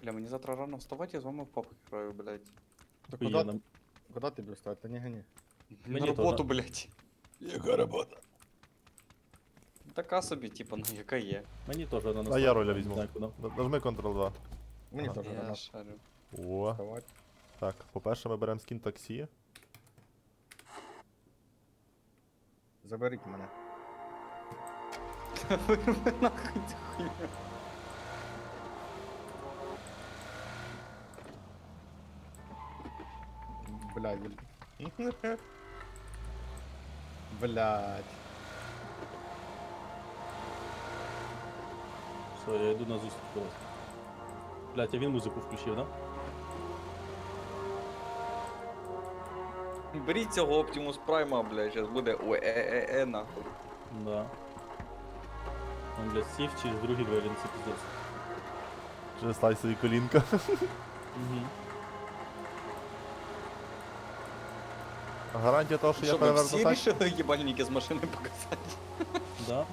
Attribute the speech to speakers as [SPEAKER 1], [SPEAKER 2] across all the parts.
[SPEAKER 1] Бля, мені завтра рано вставати, я з вами в попу граю, блядь.
[SPEAKER 2] Да
[SPEAKER 3] Охуенно.
[SPEAKER 2] куда ты будешь вставать? Да не гони.
[SPEAKER 1] На
[SPEAKER 3] Мені
[SPEAKER 1] роботу,
[SPEAKER 3] теж.
[SPEAKER 1] блядь.
[SPEAKER 2] Яка робота?
[SPEAKER 1] Така собі, типа, ну яка є.
[SPEAKER 3] Мені теж на
[SPEAKER 4] А я роля візьму.
[SPEAKER 3] знаю, куди.
[SPEAKER 4] Нажми Ctrl-2.
[SPEAKER 2] Мені
[SPEAKER 4] Ага.
[SPEAKER 2] теж
[SPEAKER 1] Я
[SPEAKER 2] рано
[SPEAKER 1] шарю.
[SPEAKER 4] О,
[SPEAKER 2] вставати.
[SPEAKER 4] так, по-перше, ми беремо скін таксі.
[SPEAKER 2] Заберіть мене.
[SPEAKER 1] Вирви нахуй цю хуйню.
[SPEAKER 2] Блядь. Блядь.
[SPEAKER 3] Все, я йду на зустріч до вас. Блять, а він музику включив, да?
[SPEAKER 1] Беріть цього Optimus Prime, блядь, зараз буде ОЕЕ нахуй.
[SPEAKER 3] Да. Он, блядь, сів через другі двері, це пиздец.
[SPEAKER 4] Через слайсові колінка.
[SPEAKER 3] Угу.
[SPEAKER 4] Гарантія того, що я
[SPEAKER 1] Щоб ви
[SPEAKER 4] переверну
[SPEAKER 1] всі
[SPEAKER 4] сайт.
[SPEAKER 1] рішили їбальники з машини показати.
[SPEAKER 3] Да.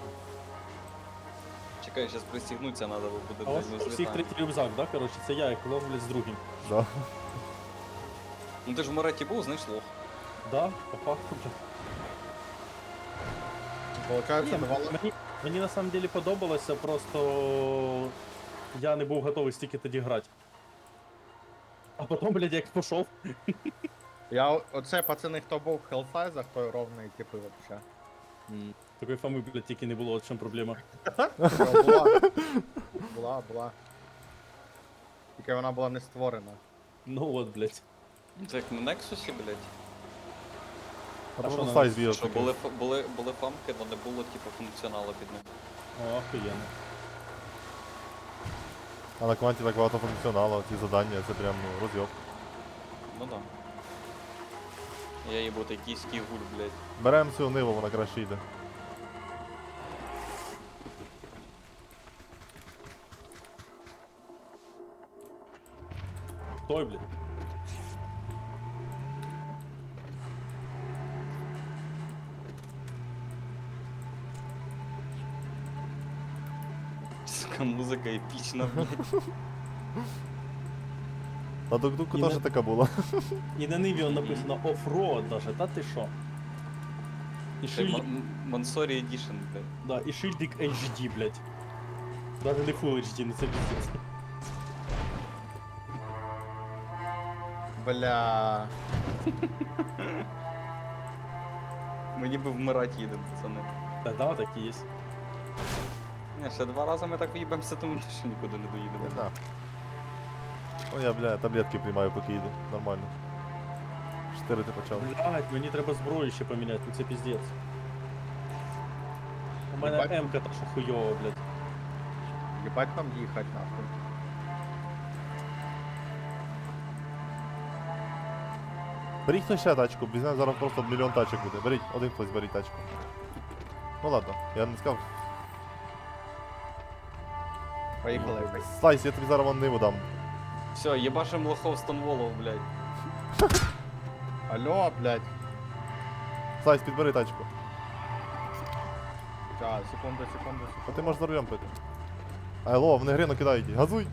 [SPEAKER 1] Чекай, зараз пристігнуться треба, бо буде
[SPEAKER 3] А у вас
[SPEAKER 1] блядь, ми
[SPEAKER 3] всіх
[SPEAKER 1] злітаємо.
[SPEAKER 3] третій рюкзак, да? Короче, це я, як лов, блядь, з другим.
[SPEAKER 4] Да.
[SPEAKER 1] Ну ти ж в Мореті був, знаєш, лох.
[SPEAKER 3] Да, по факту, блядь.
[SPEAKER 2] Получається,
[SPEAKER 3] Ні,
[SPEAKER 2] давало.
[SPEAKER 3] мені на самом деле подобалося, просто я не був готовий стільки тоді грати. А потім, блядь, як пішов.
[SPEAKER 2] Оце пацани, хто був в Hellsize, той ровний типи вообще.
[SPEAKER 3] Такої фами, блядь, тільки не було, от в чому проблема.
[SPEAKER 2] Була. Тільки вона була не створена.
[SPEAKER 3] Ну от, блядь.
[SPEAKER 1] Це як на Нексусі, блядь.
[SPEAKER 4] А
[SPEAKER 3] що
[SPEAKER 4] просто
[SPEAKER 3] на
[SPEAKER 4] слайс
[SPEAKER 3] нас?
[SPEAKER 4] відео
[SPEAKER 1] Що
[SPEAKER 4] таке.
[SPEAKER 1] були фамки, але не було типу функціоналу під них.
[SPEAKER 3] О, охуєнно.
[SPEAKER 4] А на кванті так багато функціоналу, ці завдання, це прям ну, розйоб.
[SPEAKER 1] Ну да. Я їбу такий гуль, блядь.
[SPEAKER 4] Беремо цю ниву, вона краще йде.
[SPEAKER 3] Той, блядь.
[SPEAKER 1] Сука, музика епічна, блядь.
[SPEAKER 4] На дук-дуку
[SPEAKER 3] І
[SPEAKER 4] теж
[SPEAKER 3] на-
[SPEAKER 4] така була.
[SPEAKER 3] І на ниві написано оффроад даже, та ти що? І
[SPEAKER 1] Це
[SPEAKER 3] шильдик,
[SPEAKER 1] Мансорі Edition, блядь.
[SPEAKER 3] да, і шильдик HD, блядь. Даже не Full HD, ну це пиздец.
[SPEAKER 2] Бля.
[SPEAKER 1] Ми ніби вмирати їдемо, пацани.
[SPEAKER 3] Та да, так і є.
[SPEAKER 1] Ні, ще 2 рази ми так в'їбемося, тому що нікуди не доїдемо.
[SPEAKER 4] Не знаю. О, я, бля, таблетки приймаю, поки йду. Нормально. 4 ти почав.
[SPEAKER 3] Блядь, мені треба зброю ще поміняти, ну це пиздец. У мене
[SPEAKER 2] Єбать.
[SPEAKER 3] М-ка та що хуйова, блядь.
[SPEAKER 2] Єбать нам їхать нахуй.
[SPEAKER 4] Беріть хтось ще тачку, візьмемо зараз просто мільйон тачок буде. Беріть, один хтось беріть тачку. Ну ладно, я не сказав.
[SPEAKER 2] Поїхали.
[SPEAKER 4] Слайс, я тобі зараз вон ниву дам.
[SPEAKER 1] Все, єбашим лохов Стонволов, блядь.
[SPEAKER 2] Алло, блядь.
[SPEAKER 4] Слайс, підбери тачку.
[SPEAKER 2] Сейчас, секунду.
[SPEAKER 4] А ти можеш за рулем пити. Алло, вони грину кидають. Газуй!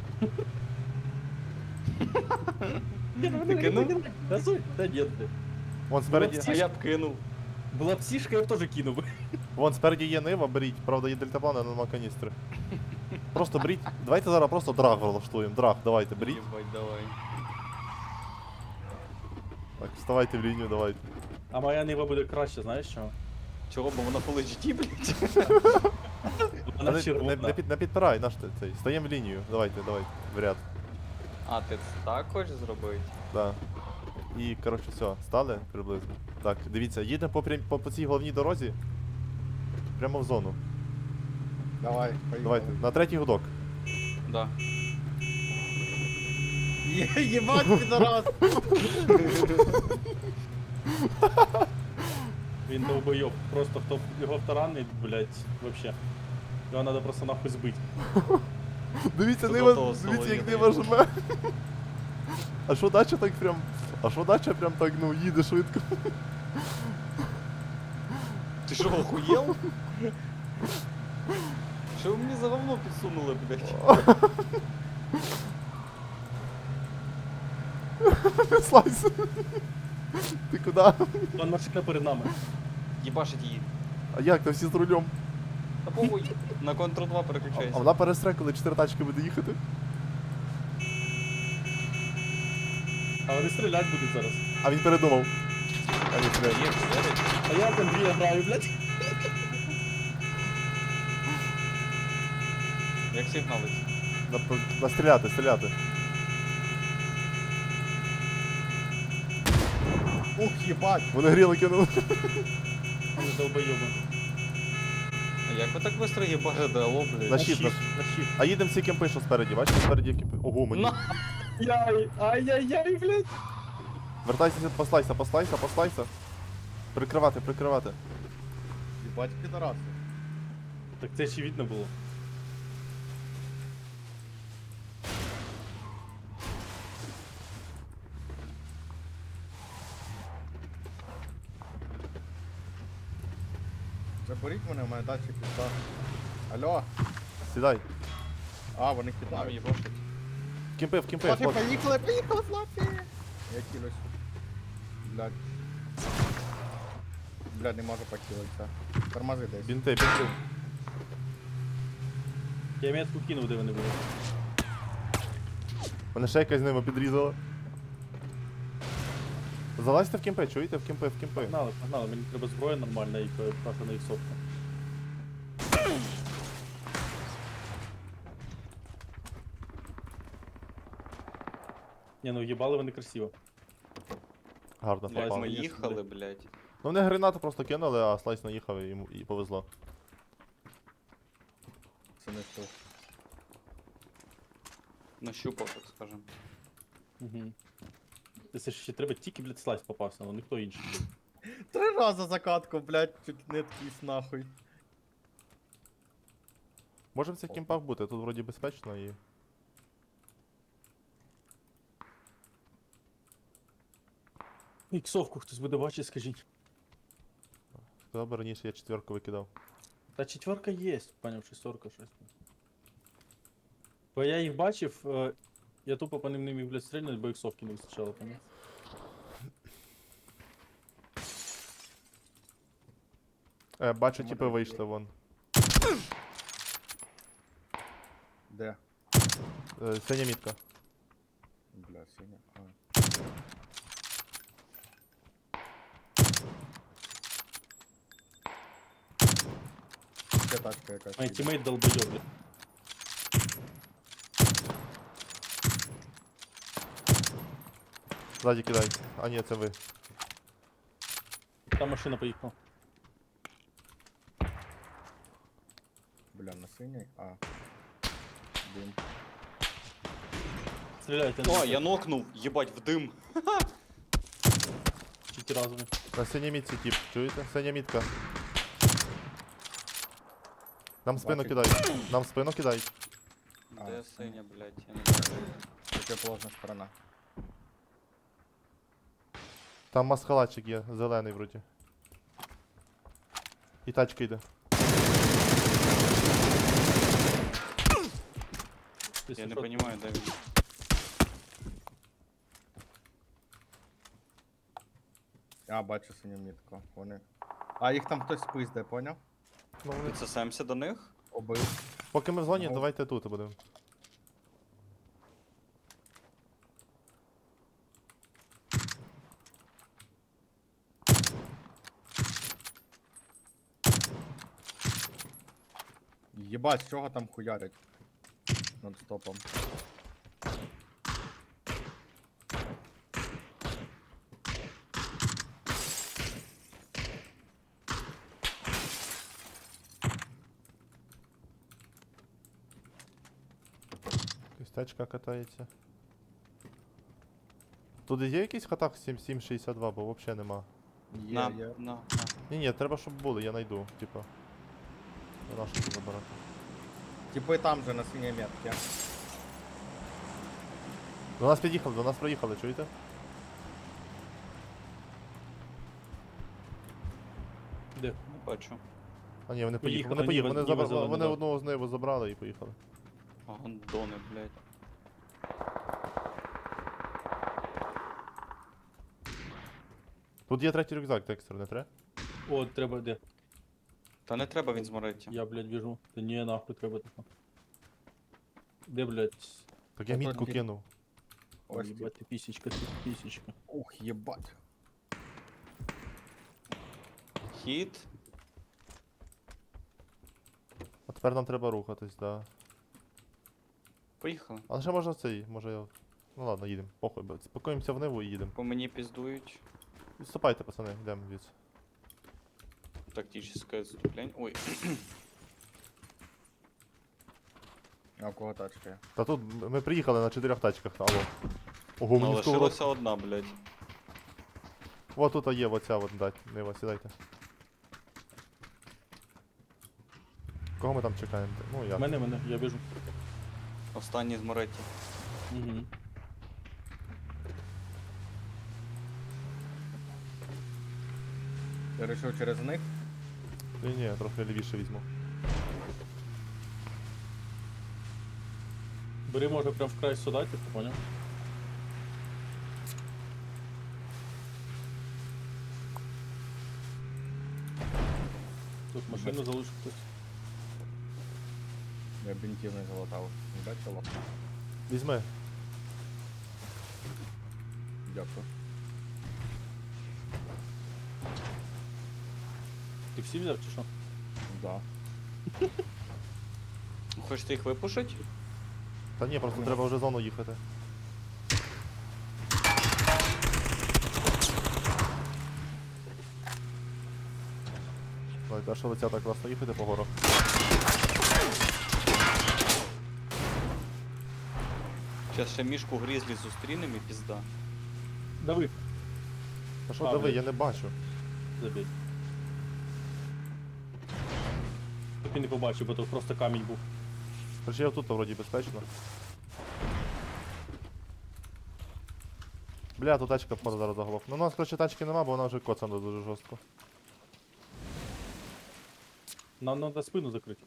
[SPEAKER 1] Ти кинув?
[SPEAKER 3] Газуй? Та ні, блядь.
[SPEAKER 4] Вон спереді,
[SPEAKER 1] А я б кинув.
[SPEAKER 3] Була б сішка, я б теж кинув би.
[SPEAKER 4] вон спереді є нива, беріть. Правда, є дельтаплан, але нема каністри. Просто беріть. Давайте зараз просто драг влаштуємо. Драг, давайте, беріть.
[SPEAKER 1] Єбать, давай.
[SPEAKER 4] Так, вставайте в лінію, давайте.
[SPEAKER 3] А моя нива буде краще, знаєш чого?
[SPEAKER 1] Чого, бо вона Full HD, блядь?
[SPEAKER 3] Вона
[SPEAKER 4] Не
[SPEAKER 3] червона.
[SPEAKER 4] підпирай, наш цей. Стаємо в лінію. Давайте, в ряд.
[SPEAKER 1] А, ти так хочеш зробити?
[SPEAKER 4] Да. І, коротше, все, стали приблизно. Так, дивіться, їдемо по цій головній дорозі. Прямо в зону.
[SPEAKER 2] Давай, поїхали.
[SPEAKER 4] Давайте, на третій гудок.
[SPEAKER 1] Да.
[SPEAKER 2] Єбать, підарас!
[SPEAKER 3] Він довбойоб. Просто хто його втаранить, блядь, вообще. Його треба просто нахуй збити.
[SPEAKER 4] Дивіться,
[SPEAKER 1] Тут
[SPEAKER 4] нива,
[SPEAKER 1] готово
[SPEAKER 4] дивіться, як
[SPEAKER 1] соло
[SPEAKER 4] нива жме. А що дача так прям. А що дача прям так, ну, їде швидко.
[SPEAKER 1] Ти що, охуєл? Що ви мені за говно підсунули, блядь?
[SPEAKER 4] Слайс. Ти куди?
[SPEAKER 3] Вон машина перед нами.
[SPEAKER 1] Їбашить її.
[SPEAKER 4] А як? Там всі з рулем.
[SPEAKER 1] Та похуй. На Ctrl 2
[SPEAKER 4] А
[SPEAKER 1] переключайся.
[SPEAKER 4] вона перестре, коли 4 тачки буде їхати.
[SPEAKER 3] А вони стрілять будуть зараз.
[SPEAKER 4] А він передумав. А ні, стріляє.
[SPEAKER 1] Є, стріляють.
[SPEAKER 3] А я в Андрія граю, блядь.
[SPEAKER 1] Як сигналить?
[SPEAKER 4] Настріляти, стріляти.
[SPEAKER 2] Ух, їбать.
[SPEAKER 4] Вони гріли кинули.
[SPEAKER 3] Вони долбойоби.
[SPEAKER 1] А як ви так швидко їбашите, алло, блядь?
[SPEAKER 4] На щит, на-
[SPEAKER 3] на щит.
[SPEAKER 4] А їдемо всі кемпи, що спереді. Бачите, спереді кемпи. Ого, мені.
[SPEAKER 1] На!
[SPEAKER 3] Ай-яй-яй, блядь.
[SPEAKER 4] Вертайся, послайся, послайся, послайся. Прикривати, прикривати.
[SPEAKER 2] Їбать підараси.
[SPEAKER 3] Так це ще видно було.
[SPEAKER 2] Заберіть мене, в мене дачі пізда. Алло.
[SPEAKER 4] Сідай.
[SPEAKER 2] А, вони
[SPEAKER 1] Нам
[SPEAKER 2] кидають.
[SPEAKER 1] їбашить.
[SPEAKER 4] В кемпи,
[SPEAKER 2] Флафі,
[SPEAKER 4] хлопці.
[SPEAKER 2] поїхали, поїхали, Флафі! Я кілюсь. Блядь. Блядь, не можу покилитися. Тормози десь.
[SPEAKER 4] Бінти, бінти.
[SPEAKER 3] Я метку кинув, де вони були.
[SPEAKER 4] Мене ще якась з ними підрізала. Залазьте в кемпи, чуєте? В кемпи, в кемпи.
[SPEAKER 3] Погнали, погнали, мені треба зброя нормальна і на іксовка. Ні, ну їбали вони красиво.
[SPEAKER 4] Гарно
[SPEAKER 1] Блядь,
[SPEAKER 4] попав.
[SPEAKER 1] ми
[SPEAKER 3] звісно,
[SPEAKER 1] їхали,
[SPEAKER 3] блядь.
[SPEAKER 1] блядь.
[SPEAKER 4] Ну вони гранату просто кинули, а слайс наїхав і йому і повезло.
[SPEAKER 2] Це не штук.
[SPEAKER 1] Нащупав, так скажем.
[SPEAKER 3] Угу. Це ще треба тільки, блядь, слайс попався, але ніхто інший.
[SPEAKER 2] 3 рази закатку, блядь, чуть не ткісь нахуй.
[SPEAKER 4] Може в цих кемпах бути, тут вроді безпечно і.
[SPEAKER 3] Іксовку хтось буде бачити, скажіть.
[SPEAKER 4] Сказав би раніше я 4 викидав.
[SPEAKER 3] Та четверка є, поняв, шестерка щось. Бо я їх бачив, я тупо по ним не міг, блядь, стрільнути, бо іксовки не вистачало, поняв.
[SPEAKER 4] Бачу,
[SPEAKER 2] Чому
[SPEAKER 4] типи
[SPEAKER 2] так
[SPEAKER 4] вийшли
[SPEAKER 2] є?
[SPEAKER 4] вон.
[SPEAKER 2] Де?
[SPEAKER 4] Синя мітка.
[SPEAKER 2] Бля, синя. А. Ще тачка якась.
[SPEAKER 3] Мій
[SPEAKER 2] їде.
[SPEAKER 3] тімейт долбойоб, блядь.
[SPEAKER 4] Ззаді кидай. А ні, це ви.
[SPEAKER 3] Там машина поїхала.
[SPEAKER 2] Бля, на синій? А. Дим.
[SPEAKER 3] Стріляйте
[SPEAKER 1] О, я нокнув, їбать, в дим.
[SPEAKER 3] чуть разом.
[SPEAKER 4] На синій мітці тип, чуєте? Синя мітка. Нам в спину
[SPEAKER 2] Бачу.
[SPEAKER 4] кидають. Нам в спину кидають.
[SPEAKER 2] А,
[SPEAKER 1] Де
[SPEAKER 2] це-
[SPEAKER 1] синя, блядь, я не знаю.
[SPEAKER 2] Противоположна сторона.
[SPEAKER 4] Там маскалатчик є, зелений вроді. І тачка йде.
[SPEAKER 1] Я не розумію, де він.
[SPEAKER 2] А, бачу синю мітку. Вони. А, їх там хтось спизде, поняв?
[SPEAKER 4] Ну, вони...
[SPEAKER 1] Підсосемся до них?
[SPEAKER 2] Обив.
[SPEAKER 4] Поки ми в зоні,
[SPEAKER 2] Ну.
[SPEAKER 4] давайте тут будемо.
[SPEAKER 2] Єбать, з чого там хуярять? Над стопом.
[SPEAKER 4] Якась тачка катається. Тут є якийсь хатак 7762, бо взагалі нема.
[SPEAKER 2] Є,
[SPEAKER 1] На,
[SPEAKER 2] є.
[SPEAKER 1] на.
[SPEAKER 4] Ні, треба, щоб були, я знайду, типа. Не нащо тут забирати.
[SPEAKER 2] Типи там же на синій метці.
[SPEAKER 4] До нас під'їхали, до нас проїхали, чуєте?
[SPEAKER 3] Де?
[SPEAKER 1] Не бачу.
[SPEAKER 4] А ні, вони
[SPEAKER 3] Поїхали,
[SPEAKER 4] поїхали, вони
[SPEAKER 3] ніби
[SPEAKER 4] забрали,
[SPEAKER 3] зелені,
[SPEAKER 4] вони
[SPEAKER 3] да.
[SPEAKER 4] одного з них забрали і поїхали.
[SPEAKER 1] Гондони, блядь.
[SPEAKER 4] Тут є третій рюкзак, Декстер, не треба?
[SPEAKER 3] О, треба де?
[SPEAKER 1] Та не треба, він зморить.
[SPEAKER 3] Я, блядь, біжу. Та ні, нахуй треба тако. Де, блядь?
[SPEAKER 4] Так я
[SPEAKER 2] Отут
[SPEAKER 4] мітку
[SPEAKER 2] є.
[SPEAKER 4] кинув.
[SPEAKER 2] Ось
[SPEAKER 3] Єбать, ти пісічка, ти пісічка.
[SPEAKER 2] Ух, єбать.
[SPEAKER 1] Хід.
[SPEAKER 4] А тепер нам треба рухатись, да.
[SPEAKER 1] Поїхали.
[SPEAKER 4] Але ще може цей, може я. Ну ладно, їдемо. Похуй, спакуємося в Ниву і їдемо.
[SPEAKER 1] По мені піздують.
[SPEAKER 4] Відступайте, пацани, йдемо звідси.
[SPEAKER 1] Тактическое отступление. Ой,
[SPEAKER 2] А у кого тачка є?
[SPEAKER 4] Та тут ми приїхали на 4 тачках, алло. Ого,
[SPEAKER 1] ну,
[SPEAKER 4] мені сковородку.
[SPEAKER 1] лишилася одна, блядь.
[SPEAKER 4] О, тут є оця от, дать, Нива, сідайте. Кого ми там чекаємо? Ну, я.
[SPEAKER 3] Мене, я біжу.
[SPEAKER 1] Останній з Моретті.
[SPEAKER 3] Угу.
[SPEAKER 2] Ти вирішив через них?
[SPEAKER 4] Ні, трохи лівіше візьму.
[SPEAKER 3] Бери, може, прям в край сюди, типу, поняв? Тут машину залишив хтось.
[SPEAKER 2] Я бінтів не залатав. Не бачила?
[SPEAKER 4] Візьми.
[SPEAKER 2] Дякую.
[SPEAKER 3] Ти всі взяв чи що?
[SPEAKER 2] Да.
[SPEAKER 1] Хочете їх випушити?
[SPEAKER 4] Та ні, просто треба вже зону їхати. Ой, а що ви ця так класно їхати по горах?
[SPEAKER 1] Зараз ще мішку грізлі зустрінемо і пізда.
[SPEAKER 3] Дави.
[SPEAKER 4] Та що
[SPEAKER 3] А,
[SPEAKER 4] диви,
[SPEAKER 3] блін.
[SPEAKER 4] я не бачу.
[SPEAKER 3] Забій. Так і не побачив, бо то просто камінь був.
[SPEAKER 4] Хоча я тут вроді безпечно. Бля, тут тачка впаде зараз заголовку. Ну у нас, короче, тачки нема, бо вона вже коцана дуже жорстко.
[SPEAKER 3] Нам треба спину закрити.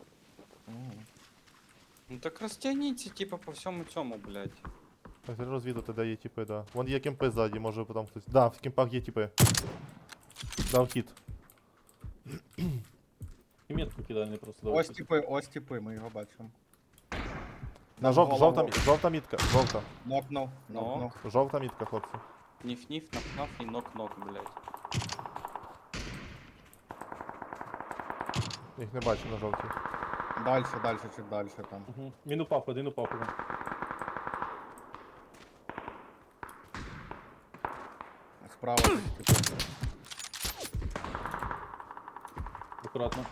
[SPEAKER 1] Ну так розтягніться, типа, по всьому цьому, блядь.
[SPEAKER 4] Так, треба розвідати, де є тіпи, да. Вон є кемпи ззаді, може потім хтось. Да, в кемпах є тіпи. Дав хід.
[SPEAKER 3] І метку кидай, не просто
[SPEAKER 2] Ось типи, ми його бачимо.
[SPEAKER 4] На жовта мітка, жовта.
[SPEAKER 2] Нокнув,
[SPEAKER 1] Ну.
[SPEAKER 2] нокнув.
[SPEAKER 4] Жовта мітка, хлопці.
[SPEAKER 1] Ніф-ніф, наф-наф і нок-нок, блядь.
[SPEAKER 4] Їх не бачу на жовтій.
[SPEAKER 2] Дальше, чуть дальше там.
[SPEAKER 3] Угу. Він упав, один упав. Один.
[SPEAKER 2] Справа десь типу.
[SPEAKER 3] Акуратно.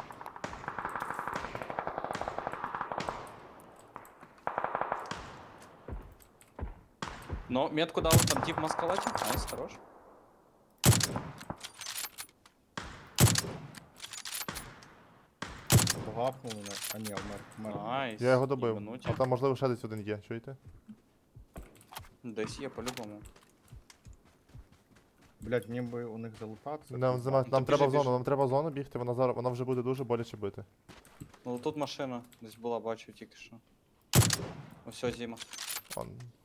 [SPEAKER 1] Ну, метку дав, там тип маскалачив. Найс, хорош.
[SPEAKER 2] Погапнув мене. А ні, вмер.
[SPEAKER 1] Найс.
[SPEAKER 4] Я його добив.
[SPEAKER 1] Їбануті.
[SPEAKER 4] А там можливо ще десь один є, чуєте?
[SPEAKER 1] Десь є по-любому.
[SPEAKER 2] Блять, мені би у них залутатися.
[SPEAKER 4] Нам
[SPEAKER 1] то
[SPEAKER 4] треба в
[SPEAKER 1] біжи,
[SPEAKER 4] зону, нам треба в зону бігти, вона зараз вона вже буде дуже боляче бити.
[SPEAKER 1] Ну тут машина десь була, бачу тільки що. Ось зима.
[SPEAKER 4] Он.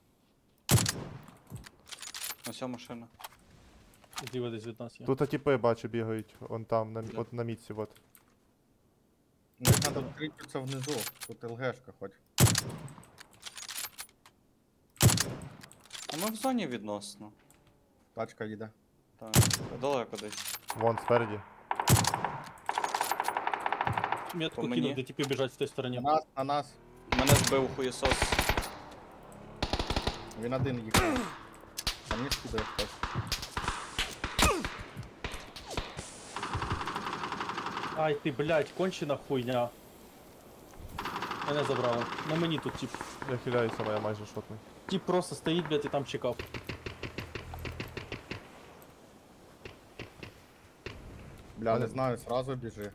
[SPEAKER 1] Ось машина.
[SPEAKER 3] Зліва десь від нас є.
[SPEAKER 4] Тут тіпи бачу бігають, вон там,
[SPEAKER 1] Бля.
[SPEAKER 4] от на мітці, от.
[SPEAKER 2] Ну їх треба вкритися внизу. Тут ЛГшка хоч.
[SPEAKER 1] А ми в зоні відносно.
[SPEAKER 2] Тачка їде.
[SPEAKER 1] Так, далеко десь.
[SPEAKER 4] Вон спереді.
[SPEAKER 3] Метку
[SPEAKER 1] по мені.
[SPEAKER 3] кинув, де типи біжать в той стороні.
[SPEAKER 2] На нас.
[SPEAKER 1] Мене збив хуєсос.
[SPEAKER 2] Він один їхав. А мені скидає хтось.
[SPEAKER 3] Ай ти, блядь, кончена хуйня. Мене забрали. На мені тут тип.
[SPEAKER 4] Я хиляюся, моя майже шотний.
[SPEAKER 3] Тип просто стоїть, блядь, і там чекав.
[SPEAKER 2] Бля, не знаю, сразу біжи.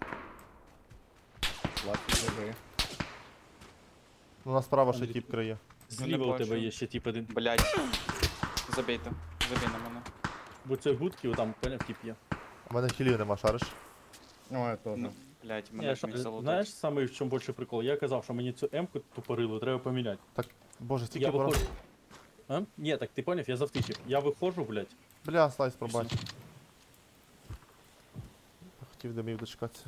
[SPEAKER 2] Лаки біжи.
[SPEAKER 4] Ну, у нас справа ще
[SPEAKER 3] Андрій,
[SPEAKER 4] тіп криє.
[SPEAKER 3] Зліва у
[SPEAKER 1] бачу.
[SPEAKER 3] тебе є ще тип один.
[SPEAKER 1] Блять. Забійте. Забій на мене.
[SPEAKER 3] Бо це будки, там, поняв, тип є.
[SPEAKER 4] У мене хілів нема, шариш.
[SPEAKER 2] Ну, я теж.
[SPEAKER 1] Ну, блять, мене
[SPEAKER 3] Я,
[SPEAKER 1] ж міг залутати.
[SPEAKER 3] знаєш, саме в чому більше прикол? Я казав, що мені цю М-ку тупорилу треба поміняти.
[SPEAKER 4] Боже, стільки
[SPEAKER 3] Я
[SPEAKER 4] ворог.
[SPEAKER 3] виходжу. А? Ні, так ти поняв, я завтичив. Я виходжу, блядь.
[SPEAKER 4] Бля, слайс пробач. Хотів димів дочекатися.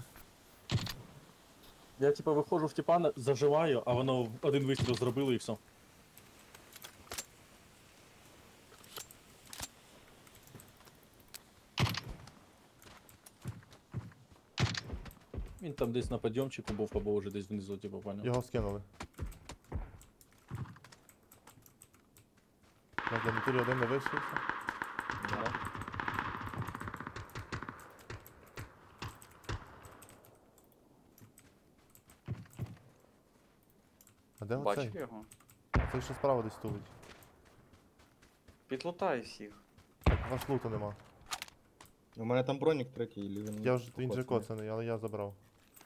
[SPEAKER 3] Я типа виходжу в тіпа, заживаю, а воно один вистріл зробило і все. Він там десь на підйомчику був, або вже десь внизу, типу, поняв.
[SPEAKER 4] Його скинули. На гарнітурі один не вийшовся.
[SPEAKER 2] Да.
[SPEAKER 4] А де
[SPEAKER 1] Бачив
[SPEAKER 4] оцей?
[SPEAKER 1] його.
[SPEAKER 4] Цей ще справа десь тулить.
[SPEAKER 1] Підлутай всіх.
[SPEAKER 4] У нас луту нема.
[SPEAKER 2] У мене там бронік третій, і він...
[SPEAKER 4] Він же
[SPEAKER 2] покоцаний.
[SPEAKER 4] коцаний, але я забрав.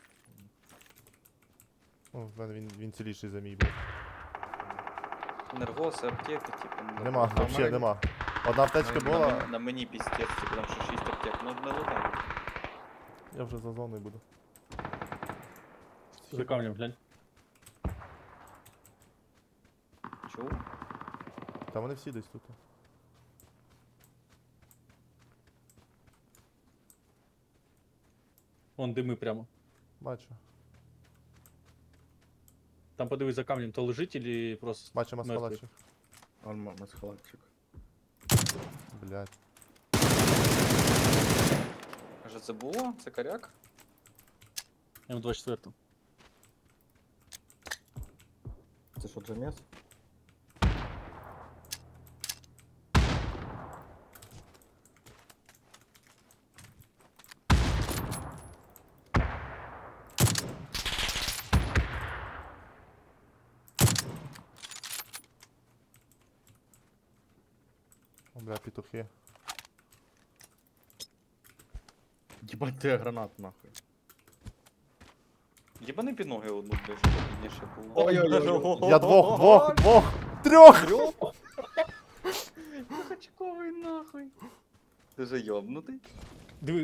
[SPEAKER 4] О, в мене він ціліший за мій був.
[SPEAKER 1] Енергоси, аптеки, типу.
[SPEAKER 4] Нема,
[SPEAKER 2] а
[SPEAKER 4] взагалі
[SPEAKER 2] мене-
[SPEAKER 4] нема. Одна аптечка
[SPEAKER 1] На
[SPEAKER 4] була,
[SPEAKER 1] мені- На мені піздець, типу там ще 6 аптек. Ну не лутай.
[SPEAKER 4] я вже за зоною буду.
[SPEAKER 3] За камнем, глянь.
[SPEAKER 1] Чув?
[SPEAKER 4] Та вони всі десь тут.
[SPEAKER 3] Вон дими прямо.
[SPEAKER 4] Бачу.
[SPEAKER 3] Там подивись за камнем, то лежить или просто.
[SPEAKER 4] Бачу
[SPEAKER 3] Мертвий.
[SPEAKER 4] маскалачик.
[SPEAKER 2] Он масхалатчик.
[SPEAKER 4] Блять.
[SPEAKER 1] Каже, це було? Це коряк?
[SPEAKER 3] М24.
[SPEAKER 2] Це що, Джемес?
[SPEAKER 4] О, бля, петухи.
[SPEAKER 2] Єбать, ти гранат нахуй.
[SPEAKER 1] Єбани під ноги одну, блядь, щоб підніше було.
[SPEAKER 2] Ой-ой-ой.
[SPEAKER 4] Я двох, трьох!
[SPEAKER 1] Хачковий нахуй. Ти же йобнутий.
[SPEAKER 3] Диви.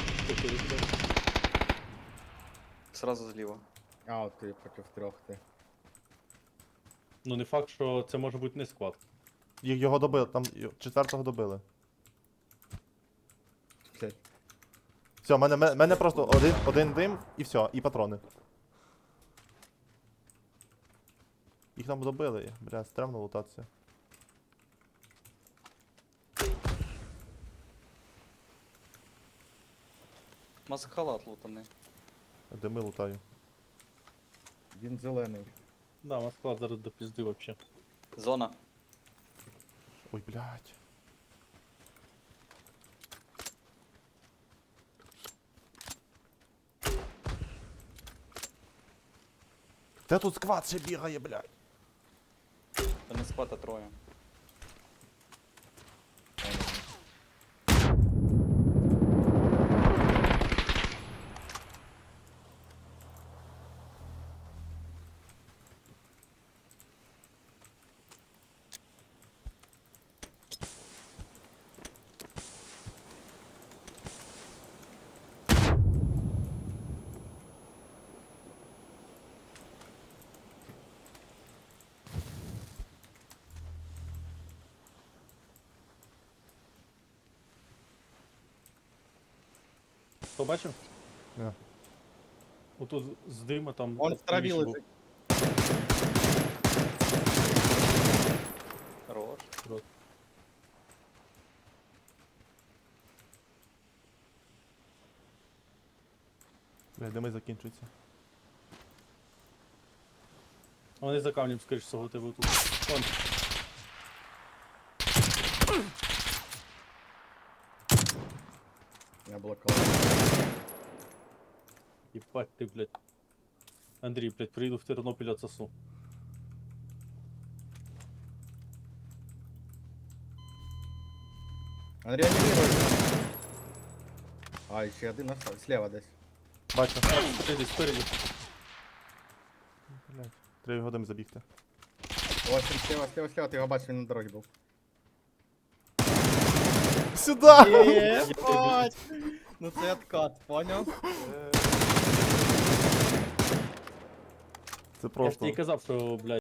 [SPEAKER 1] Сразу зліва.
[SPEAKER 2] А, от ти проти трьох ти.
[SPEAKER 3] Ну не факт, що це може бути не склад.
[SPEAKER 4] Його добили, там четвертого добили.
[SPEAKER 2] Блять.
[SPEAKER 4] Все, мене просто один дим і все, і патрони. Їх там добили, бля, стрімно лутатися.
[SPEAKER 1] Маск-халат лутаний.
[SPEAKER 4] Дими лутаю.
[SPEAKER 2] Він зелений.
[SPEAKER 3] Да, у нас склад зараз до пізди вообще.
[SPEAKER 1] Зона.
[SPEAKER 4] Ой, блядь. Де тут сквад ще бігає, блядь?
[SPEAKER 1] Та не склад, а троє.
[SPEAKER 3] Побачив?
[SPEAKER 4] Не.
[SPEAKER 3] Отут з дима там.
[SPEAKER 2] Он в траві
[SPEAKER 3] правіше був.
[SPEAKER 2] лежить.
[SPEAKER 1] Хорош.
[SPEAKER 4] Блядь, дими закінчуються.
[SPEAKER 3] А вони за камнем, скоріш всього, у тебе тут. Вон.
[SPEAKER 2] Я блокував.
[SPEAKER 3] Єбать ти, блядь. Андрій, блядь, приїду в Тернопіль отсосу.
[SPEAKER 2] Он реанімірує. А, і ще один остав. Слева десь.
[SPEAKER 4] Бачу.
[SPEAKER 3] Спереді, спереді.
[SPEAKER 4] Блядь. Треба його дим забігти.
[SPEAKER 2] Ось він слева, ти його бачиш, він на дорозі був.
[SPEAKER 4] Сюда!
[SPEAKER 2] Єбать! Ну це откат, поняв?
[SPEAKER 4] Це
[SPEAKER 3] Я ж
[SPEAKER 4] просто.
[SPEAKER 3] тобі казав, що, блядь.